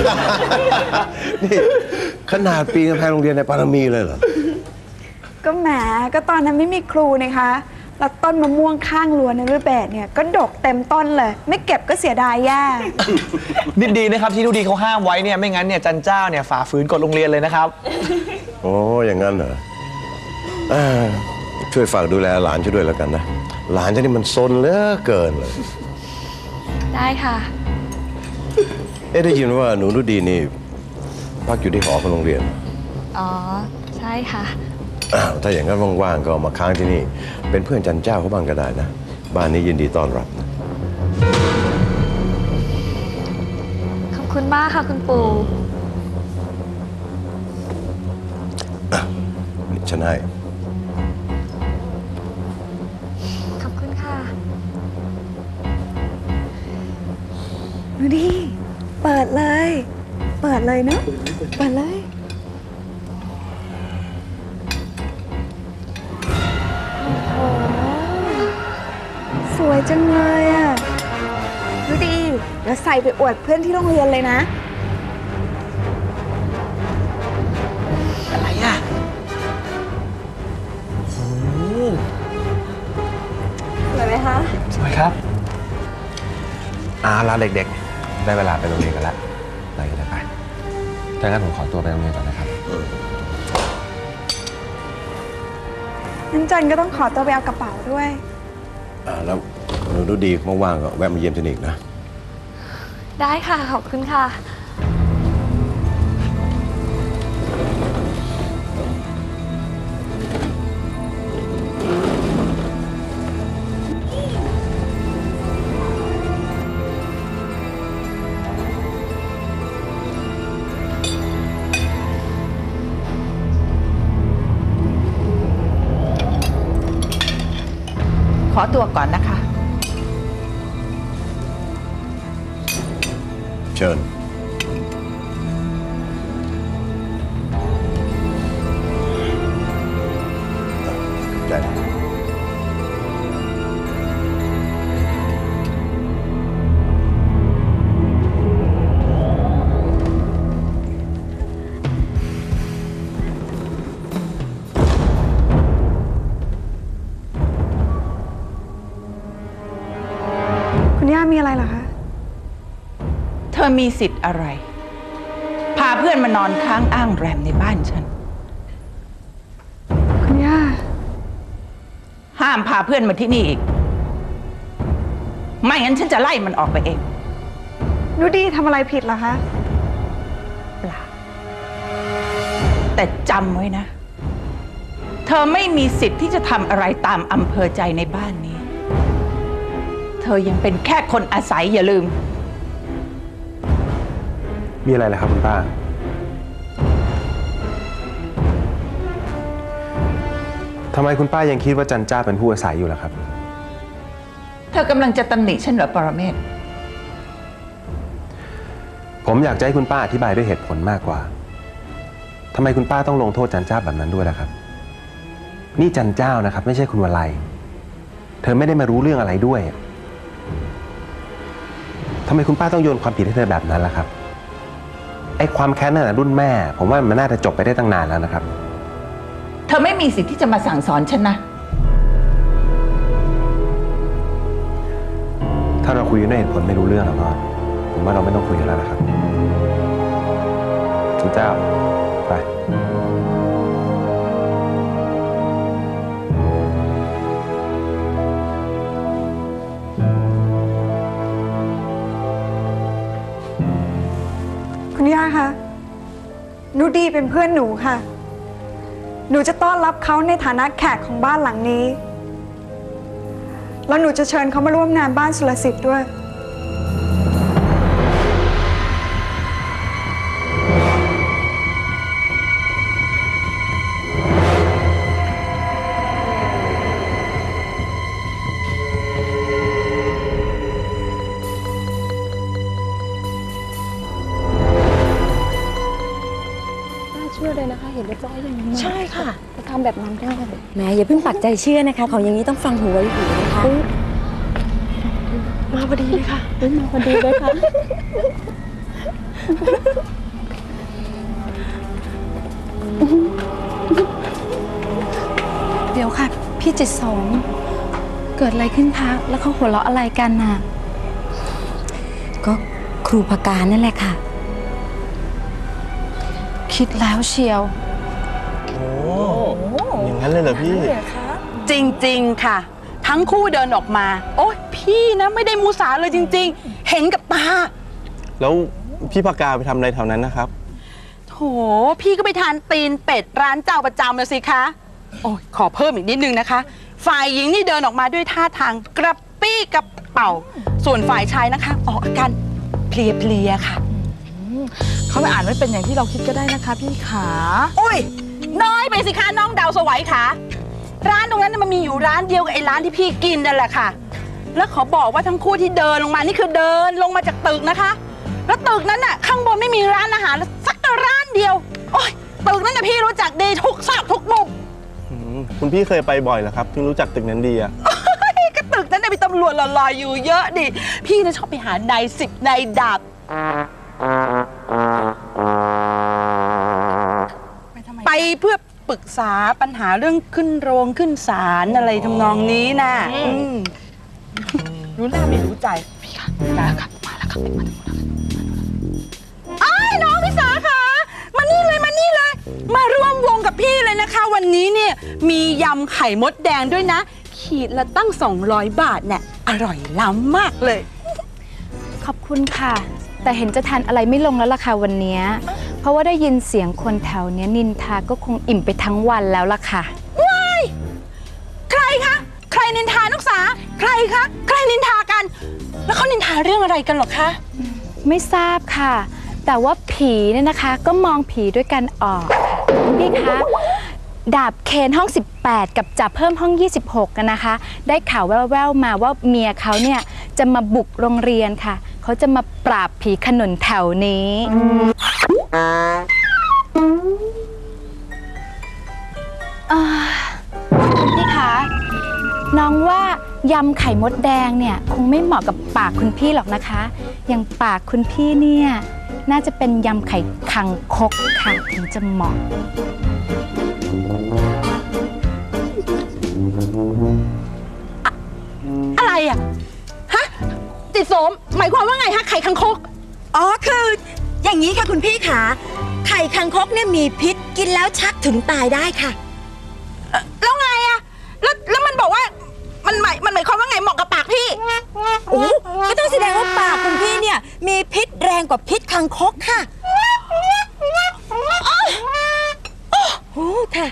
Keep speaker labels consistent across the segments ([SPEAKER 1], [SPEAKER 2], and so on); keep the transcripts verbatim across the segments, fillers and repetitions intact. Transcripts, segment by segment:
[SPEAKER 1] นี่ขนาดปีนกำแพงโรงเรียนในปารมีเลยเหรอ
[SPEAKER 2] ก็แหมก็ตอนนั้นไม่มีครูนะคะแล้วต้นมะม่วงข้างรั้วในรูปแบบเนี่ยก็ดกเต็มต้นเลยไม่เก็บก็เสียดายแย่
[SPEAKER 3] นิดดีนะครับที่ทุกดีเขาห้ามไว้เนี่ยไม่งั้นเนี่ยจันเจ้าเนี่ยฝ่าฝืนกฎโรงเรียนเลยนะครับ
[SPEAKER 1] โอ้อย่างนั้นเหรอช่วยฝากดูแลหลานช่วยด้วยแล้วกันนะหลานฉันนี่มันซนเหลือเกินเลย
[SPEAKER 2] ได้ค่ะ
[SPEAKER 1] เอ๊ะได้ยินว่าหนูนุดีนี่พักอยู่ที่หอของโรงเรียน
[SPEAKER 2] อ๋อใช่ค่ะ
[SPEAKER 1] อ้าวถ้าอย่างนั้นว่างๆก็มาค้างที่นี่เป็นเพื่อนจันเจ้าเขาบ้างก็ได้นะบ้านนี้ยินดีต้อนรับนะ
[SPEAKER 2] ขอบคุณมากค่ะคุณปู่
[SPEAKER 1] นี่ฉันให้
[SPEAKER 2] ขอบคุณค่ะดูดิเปิดเลยเปิดเลยเนาะเปิดเลยสวยจังเลยอ่ะดูดิแล้วใส่ไปอวดเพื่อนที่โรงเรียนเลยนะ
[SPEAKER 3] อะไรอ่ะ
[SPEAKER 2] สวยไหมคะ
[SPEAKER 3] สวยครับ
[SPEAKER 4] อาล่ะเด็กๆได้เวลาไปโรงเรียนกันแล้วไปกันเลยไปถ้างั้นผมขอตัวไปโรงเรียนก่อนนะครับ
[SPEAKER 2] งั้นจันก็ต้องขอตัวไปเอากระเป๋าด้วย
[SPEAKER 1] อ่าแล้วหนูนุดีว่างๆก็แวะมาเยี่ยมฉันอีกนะ
[SPEAKER 2] ได้ค่ะขอบคุณค่ะ
[SPEAKER 5] ขอตัวก่อนนะคะ
[SPEAKER 1] เชิญใจ
[SPEAKER 2] คุณย่ามีอะไรเหรอคะ
[SPEAKER 5] เธอมีสิทธิ์อะไรพาเพื่อนมานอนค้างอ้างแรมในบ้านฉัน
[SPEAKER 2] คุณย่า
[SPEAKER 5] ห้ามพาเพื่อนมาที่นี่อีกไม่งั้นฉันจะไล่มันออกไปเอง
[SPEAKER 2] นูดีทำอะไรผิดเหรอคะ
[SPEAKER 5] เปล่าแต่จำไว้นะเธอไม่มีสิทธิ์ที่จะทำอะไรตามอำเภอใจในบ้านนี้เธอยังเป็นแค่คนอาศัยอย่าลืม
[SPEAKER 4] มีอะไรล่ะครับคุณป้าทำไมคุณป้ายังคิดว่าจันเจ้าเป็นผู้อาศัยอยู่ล่ะครับ
[SPEAKER 5] เธอกำลังจะตำหนิฉันเหรอปรเมศ
[SPEAKER 4] ผมอยากจะให้คุณป้าอธิบายด้วยเหตุผลมากกว่าทำไมคุณป้าต้องลงโทษจันเจ้าแบบนั้นด้วยล่ะครับนี่จันเจ้านะครับไม่ใช่คุณวลัยเธอไม่ได้มารู้เรื่องอะไรด้วยทำไมคุณป้าต้องโยนความผิดให้เธอแบบนั้นล่ะครับไอ้ความแค้นนั่นแหละรุ่นแม่ผมว่ามันน่าจะจบไปได้ตั้งนานแล้วนะครับ
[SPEAKER 5] เธอไม่มีสิทธิ์ที่จะมาสั่งสอนฉันนะ
[SPEAKER 4] ถ้าเราคุยด้วยเหตุผลไม่รู้เรื่องแล้วก็ผมว่าเราไม่ต้องคุยกันแล้วนะครับคุณเจ้าไป
[SPEAKER 2] คุณย่าคะนูดีเป็นเพื่อนหนูค่ะหนูจะต้อนรับเขาในฐานะแขกของบ้านหลังนี้แล้วหนูจะเชิญเขามาร่วมงานบ้านสุรสิทธิ์ด้วย
[SPEAKER 6] ชื่อเลยนะคะเห็นเรียบร้อยอย่างนี้
[SPEAKER 7] ใช่ค่ะ
[SPEAKER 6] จะทำแบบนั้นได้
[SPEAKER 7] แหมอย่าเพิ่งปักใจเชื่อนะคะของอย่างนี้ต้องฟังหูไว้หูนะคะ
[SPEAKER 6] มาพอดีเลยค่ะมาพอดีเลยค่ะ
[SPEAKER 2] เดี๋ยวค่ะ พี่จิตสมเกิดอะไรขึ้นคะ แล้วเขาหัวเราะอะไรกันน่ะ
[SPEAKER 7] ก็ครูพการนั่นแหละค่ะ
[SPEAKER 2] คิดแล้วเชียว
[SPEAKER 3] อย่างนั้นเลยเหรอพี่
[SPEAKER 5] จริงๆค่ะ ทั้งคู่เดินออกมา โอ๊ยพี่นะไม่ได้มูสาเลยจริงๆ เห็นกับตา
[SPEAKER 3] แล้วพี่ปากกาไปทำอะไรแถวนั้นนะครับ
[SPEAKER 5] โถพี่ก็ไปทานตีนเป็ดร้านเจ้าประจำเลยสิคะ โอ้ยขอเพิ่มอีกนิดนึงนะคะ ฝ่ายหญิงนี่เดินออกมาด้วยท่าทางกระปี้กระเป๋า ส่วนฝ่ายชายนะคะ ออกอาการเพลียๆค่ะ
[SPEAKER 8] เขาไม่อ่านไม่เป็นอย่างที่เราคิดก็ได้นะคะพี่ขา
[SPEAKER 5] อุ้ยน้อยไปสิคะน้องดาวสวัยค่ะ ร้านตรงนั้นนะมันมีอยู่ร้านเดียวกับไอ้ร้านที่พี่กินนั่นแหละค่ะ แล้วขอบอกว่าทั้งคู่ที่เดินลงมานี่คือเดินลงมาจากตึกนะคะ แล้วตึกนั้นน่ะข้างบนไม่มีร้านอาหารสักร้านเดียว โอ้ยตึกนั้นน่ะพี่รู้จักดีทุกซอกทุกมุม
[SPEAKER 3] คุณพี่เคยไปบ่อยเหรอครับถึงรู้จักตึกนั้นดีอะ
[SPEAKER 5] ก็ตึกนั้นน่ะมีตำรวจหล่อๆอยู่เยอะดิ พี่น่ะชอบไปหานายสิบนายดาบ ไปเพื่อปรึกษาปัญหาเรื่องขึ้นโรงขึ้นศาลอะไรทำนองนี้นะอืมรู้หน้าไม่รู้ใจ พี่ค่ะมาแล้วครับมาแล้วครับมาแล้วครับอ้ายน้องพิสาค่ะมานี่เลยมานี่เลย มาร่วมวงกับพี่เลยนะคะ วันนี้เนี่ยมียำไข่มดแดงด้วยนะ ขีดละตั้งสองร้อยบาทเนี่ยอร่อยล้ำมากเลย
[SPEAKER 2] ขอบคุณค่ะ แต่เห็นจะทานอะไรไม่ลงแล้วล่ะค่ะวันเนี้ยเพราะว่าได้ยินเสียงคนแถวเนี้ยนินทาก็คงอิ่มไปทั้งวันแล้วล่ะค่ะ
[SPEAKER 5] ว้ายใครคะ ใครนินทานักษา ใครคะ ใครนินทากัน แล้วเขานินทาเรื่องอะไรกันหรอคะ
[SPEAKER 2] ไม่ทราบค่ะ แต่ว่าผีเนี่ยนะคะ ก็มองผีด้วยกันออกค่ะพี่คะดาบเคนห้องสิบแปดกับจับเพิ่มห้องยี่สิบหกกันนะคะ ได้ข่าวแว่วๆมาว่าเมียเขาเนี่ยจะมาบุกโรงเรียนค่ะเขาจะมาปราบผีขนุนแถวนี้อ่าพี่คะน้องว่ายำไข่มดแดงเนี่ยคงไม่เหมาะกับปากคุณพี่หรอกนะคะ อย่างปากคุณพี่เนี่ยน่าจะเป็นยำไข่คังคกค่ะถึงจะเหมาะ
[SPEAKER 5] อะไรอ่ะ ฮะ ติดโสม หมายความว่าไงฮะ ไข่คังคก
[SPEAKER 7] อ๋อคืออย่างนี้ค่ะคุณพี่ขาไข่คังคกเนี่ยมีพิษกินแล้วชักถึงตายได้ค่ะ
[SPEAKER 5] แล้วไงอะแล้วแล้วมันบอกว่า มันหมายมันหมายความว่าไงเหมาะกับปากพี่
[SPEAKER 7] โอ้ก็ต้องแสดงว่าปากคุณพี่เนี่ยมีพิษแรงกว่าพิษคังคกค่ะโอ้ค่ะ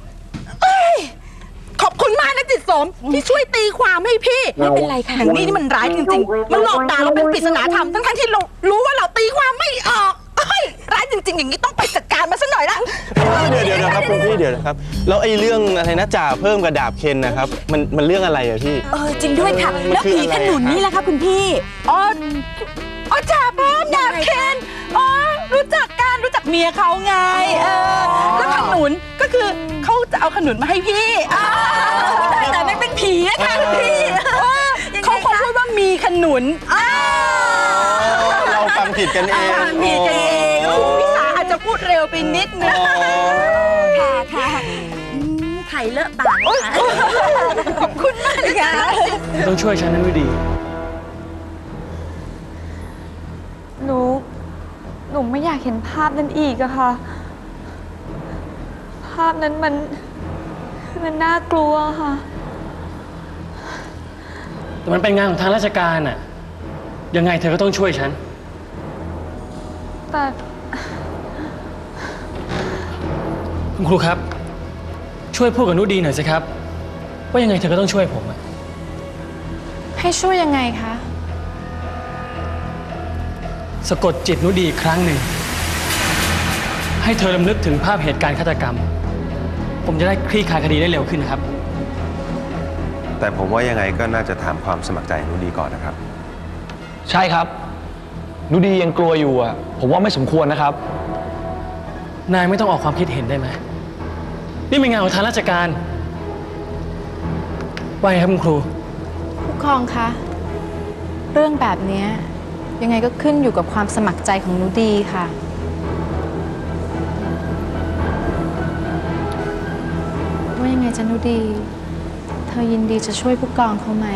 [SPEAKER 5] ขอบคุณมากนะจิตสมที่ช่วยตีความให้พี่
[SPEAKER 7] ไม่เป็นไรค่ะ
[SPEAKER 5] อย่างนี้นี่มันร้ายจริงๆ มันหลอกด่าเราเป็นปริศนาธรรมทั้งๆที่เรารู้ว่าเราตีความไม่ออกเอ้ยร้ายจริงๆ อย่างนี้ต้องไปจัดการมันซะหน่อยละ
[SPEAKER 3] เดี๋ยวเดี๋ยวนะครับคุณพี่เดี๋ยวนะครับ แล้วไอ้เรื่องอะไรนะจ่าเพิ่มกับดาบเคนนะครับ มันมันเรื่องอะไรอะพี่
[SPEAKER 7] เออจริงด้วยค่ะ
[SPEAKER 3] มัน
[SPEAKER 7] แล้ว
[SPEAKER 3] คือ
[SPEAKER 7] ผี
[SPEAKER 3] อะไร
[SPEAKER 7] ขนุน
[SPEAKER 3] อะ
[SPEAKER 7] นี่แหละค่ะคุณพี่
[SPEAKER 5] อ๋ออ๋อจ่าเพิ่มดาบเคนอ๋อรู้จักกันรู้จักเมียเขาไงเออแล้วขนุนก็คือเขาจะเอาขนุนมาให้พี่อ่า
[SPEAKER 7] แต่ไม่เป็นผีอะค่ะคุณพี่
[SPEAKER 5] เขาคงพูดว่ามีขนุนอ่า
[SPEAKER 3] เราฟังผิดกันเอง
[SPEAKER 5] ฟังผิดกันเองคุณพิสาอาจจะพูดเร็วไปนิดนึง
[SPEAKER 7] ค่ะค่ะอืมไข่เลอะปากค่ะ
[SPEAKER 5] ขอบคุณมากเลยค่ะ
[SPEAKER 9] ต้องช่วยฉันนะนุดี
[SPEAKER 6] หนู หนูไม่อยากเห็นภาพนั้นอีกอะค่ะ ภาพนั้นมัน มันน่ากลัวค่ะ
[SPEAKER 9] แต่มันเป็นงานของทางราชการน่ะ ยังไงเธอก็ต้องช่วยฉัน
[SPEAKER 6] แต่
[SPEAKER 9] คุณครูครับ ช่วยพูดกับนุดีหน่อยสิครับ ว่ายังไงเธอก็ต้องช่วยผมอะ
[SPEAKER 2] ให้ช่วยยังไงคะ
[SPEAKER 9] สะกดจิตนุดีอีกครั้งหนึ่ง ให้เธอรำลึกถึงภาพเหตุการณ์ฆาตกรรม ผมจะได้คลี่คลายคดีได้เร็วขึ้นนะครับ
[SPEAKER 4] แต่ผมว่ายังไงก็น่าจะถามความสมัครใจนุดีก่อนนะครับ
[SPEAKER 3] ใช่ครับนุดียังกลัวอยู่อะผมว่าไม่สมควรนะครับ
[SPEAKER 9] นายไม่ต้องออกความคิดเห็นได้ไหม นี่เป็นงานของทางราชการว่าไงครับคุณครู
[SPEAKER 2] ผู้กองคะ เรื่องแบบเนี้ยยังไงก็ขึ้นอยู่กับความสมัครใจของหนูดีค่ะว่ายังไงจ๊ะหนูดี เธอยินดีจะช่วยผู้กองเขาไหม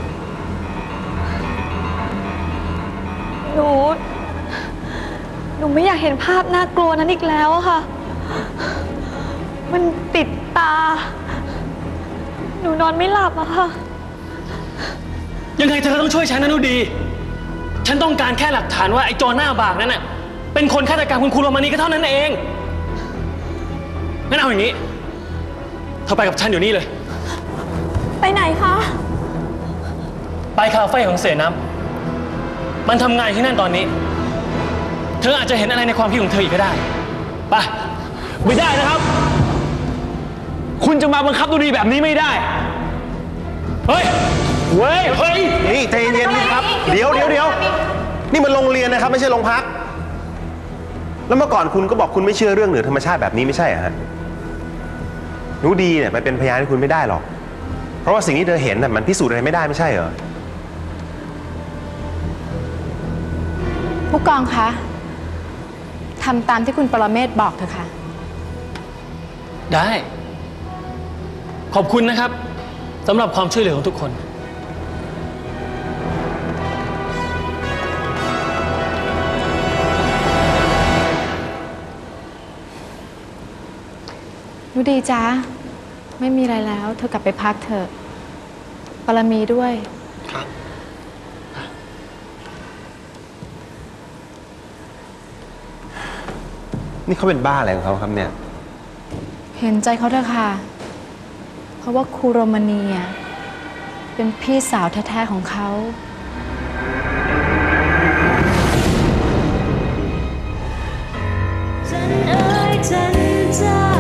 [SPEAKER 6] หนู หนูไม่อยากเห็นภาพน่ากลัวนั้นอีกแล้วอะค่ะ มันติดตา หนูนอนไม่หลับอะค่ะ
[SPEAKER 9] ยังไงเธอก็ต้องช่วยฉันนะนุดี ฉันต้องการแค่หลักฐานว่าไอ้โจรหน้าบากนั้นน่ะเป็นคนฆาตกรรมคุณครูโรมานีก็เท่านั้นเองงั้นเอาอย่างนี้เธอไปกับฉันอยู่นี่เลย
[SPEAKER 6] ไปไหนคะ
[SPEAKER 9] ไปคาเฟ่ของเสน้ำมันทำงานที่นั่นตอนนี้ เธออาจจะเห็นอะไรในความคิดของเธออีกก็ได้ไปไม่ได้นะครับ คุณจะมาบังคับนุดีแบบนี้ไม่ได้เฮ้ยเว้ยเฮ้ย
[SPEAKER 4] นี่ใจเย็นๆครับ เดี๋ยวเดี๋ยวเดี๋ยวนี่มันโรงเรียนนะครับไม่ใช่โรงพัก แล้วเมื่อก่อนคุณก็บอกคุณไม่เชื่อเรื่องเหนือธรรมชาติแบบนี้ไม่ใช่เหรอฮะหนูดีเนี่ยไปเป็นพยานให้คุณไม่ได้หรอก เพราะว่าสิ่งที่เธอเห็นน่ะมันพิสูจน์อะไรไม่ได้ไม่ใช่เหรอ
[SPEAKER 2] ผู้กองคะทำตามที่คุณปรเมศบอกเถอะค่ะ
[SPEAKER 9] ได้ ขอบคุณนะครับสำหรับความช่วยเหลือของทุกคน
[SPEAKER 2] หนูดีจ้าไม่มีอะไรแล้ว เธอกลับไปพักเถอะปรมีด้วย
[SPEAKER 9] ครับ
[SPEAKER 4] นี่เขาเป็นบ้าอะไรของเขาครับเนี่ย
[SPEAKER 2] เห็นใจเขาเถอะค่ะ เพราะว่าครูโรมานีอ่ะเป็นพี่สาวแท้ๆของเขา
[SPEAKER 10] จันเอ๋ยจันเจ้า